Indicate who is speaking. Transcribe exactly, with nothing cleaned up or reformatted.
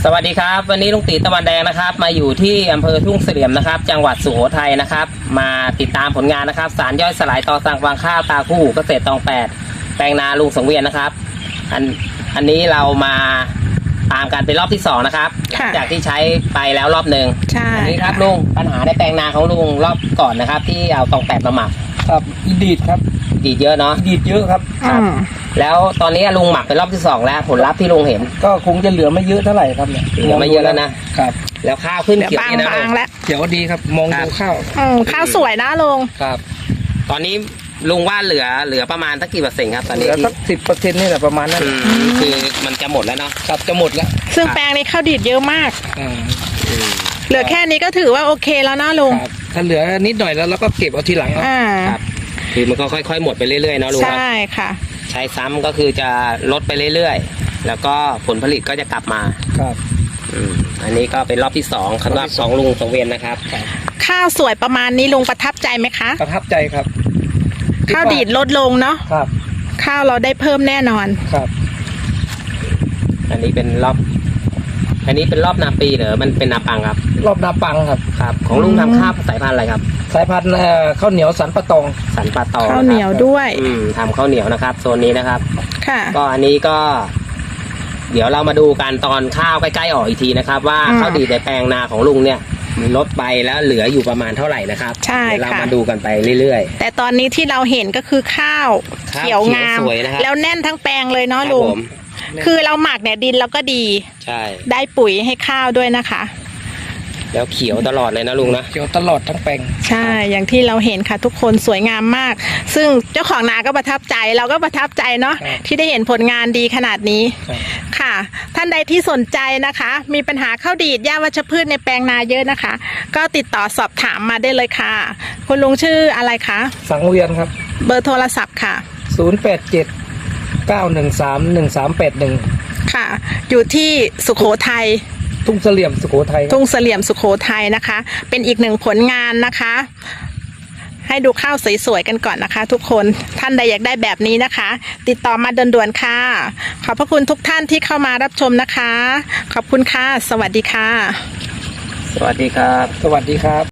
Speaker 1: สวัสดีครับวันนี้ลุงตีตะวันแดงนะครับมาอยู่ที่อำเภอทุ่งเสลี่ยมนะครับจังหวัดสุโขทัยนะครับมาติดตามผลงานนะครับสารย่อยสลายต่อสั่งฟางข้าวตาคู่เกษตรตองแปดแปลงนาลุงสังเวียนนะครับอันอันนี้เรามาตามกันเป็นรอบที่สองนะครับจากที่ใช้ไปแล้วรอบหนึ่งอันนี้ครับลุงปัญหาในแปลงนาของลุงรอบก่อนนะครับที่เอาตองแปดมาหมัก
Speaker 2: ครับดีดครับ
Speaker 1: ดีดเยอะเนาะ
Speaker 2: ดีดเยอะครับ
Speaker 1: ครับแล้วตอนนี้ลุงหมักเป็นรอบที่สองแล้วผลลัพธ์ที่ลุงเห็น
Speaker 2: ก็คงจะเหลือไม่เยอะเท่าไหร่ครับเนี่ย
Speaker 1: เหลือไม่เยอะแล้วนะครับแล้วข้าวขึ้นเขียวนี่นะลุง
Speaker 2: เขียวดีครับมองดูข้าว
Speaker 3: ข้าวสวยนะลุง
Speaker 1: ครับตอนนี้ลุงว่าเหลือเหลือประมาณสักกี่เปอร์เซ็นต์ครับตอนนี้
Speaker 2: สักสิบเปอร์เซ็นต์นี่แหละประมาณนั้น
Speaker 1: คือมันจะหมดแล้วเนาะ
Speaker 2: ครับจะหมดแล้ว
Speaker 3: ซึ่งแปลงนี้ข้าวดีดเยอะมากเหลือแค่นี้ก็ถือว่าโอเคแล้วนะลุง
Speaker 2: ถ้าเหลือนิดหน่อยแล้วเราก็เก็บเอาทีหลัง
Speaker 1: ครับคือมันก็ค่อยๆหมดไปเรื่อยๆเนาะลุง
Speaker 3: ใช่ค่ะ
Speaker 1: ใช้ซ้ำก็คือจะลดไปเรื่อยๆแล้วก็ผลผลิตก็จะกลับมา
Speaker 2: ครับ
Speaker 1: อันนี้ก็เป็นรอบที่สองสำหรับสองลุงสังเวียนนะครับ
Speaker 3: ข้าวสวยประมาณนี้ลุงประทับใจไหมคะ
Speaker 2: ประทับใจครับ
Speaker 3: ข้าวดีดลดลงเนาะ
Speaker 2: ครับ
Speaker 3: ข้าวเราได้เพิ่มแน่นอน
Speaker 2: ครับ
Speaker 1: อันนี้เป็นรอบอันนี้เป็นรอบนาปีเหรอมันเป็นนาปังครับ
Speaker 2: รอบนาปังครับ
Speaker 1: ครับของลุงทำข้าวสายพันธุ์อะไรครับ
Speaker 2: สายพันธุ์ข้าวเหนียวสันปะตอง
Speaker 1: สันปะตอง
Speaker 3: ข้าวเหนียวด้วย
Speaker 1: อืมทำข้าวเหนียวนะครับโซนนี้นะครับ
Speaker 3: ค่ะ
Speaker 1: ก็อันนี้ก็ เดี๋ยวเรามาดูกันตอนข้าวใกล้ๆออกอีกทีนะครับว่าข้าวดีในแปลงนาของลุงเนี่ยลดไปแล้วเหลืออยู่ประมาณเท่าไหร่นะครับ
Speaker 3: ใช่ค่ะ
Speaker 1: เรามาดูกันไปเรื่อย
Speaker 3: ๆแต่ตอนนี้ที่เราเห็นก็คือข้าวเขียวงามแล้วแน่นทั้งแปลงเลยเนาะลุงคือเราหมักเนี่ยดินเราก็ดี
Speaker 1: ใช่
Speaker 3: ได้ปุ๋ยให้ข้าวด้วยนะคะ
Speaker 1: แล้วเขียวตลอดเลยนะลุงนะ
Speaker 2: เขียวตลอดทั้งแปลง
Speaker 3: ใช่อย่างที่เราเห็นค่ะทุกคนสวยงามมากซึ่งเจ้าของนาก็ประทับใจเราก็ประทับใจเนาะที่ได้เห็นผลงานดีขนาดนี้ค่ะท่านใดที่สนใจนะคะมีปัญหาข้าวดีดหญ้าวัชพืชในแปลงนาเยอะนะคะก็ติดต่อสอบถามมาได้เลยค่ะคุณลุงชื่ออะไรคะ
Speaker 2: สังเวียนครับ
Speaker 3: เบอร์โทรศัพท์ค่ะ
Speaker 2: ศูนย์ แปด เจ็ด เก้า หนึ่ง สาม หนึ่ง สาม แปด หนึ่ง
Speaker 3: ค่ะอยู่ที่สุโขทัย
Speaker 2: ทุ่งเสลี่ยมสุโขทัย
Speaker 3: ทุ่งเสลี่ยมสุโขทัยนะคะเป็นอีกหนึ่งผลงานนะคะให้ดูข้าวสวยๆกันก่อนนะคะทุกคนท่านใดอยากได้แบบนี้นะคะติดต่อมาด่วนๆค่ะขอบพระคุณทุกท่านที่เข้ามารับชมนะคะขอบคุณค่ะสวัสดีค่ะ
Speaker 1: สวัสดีครับ
Speaker 2: สวัสดีครับ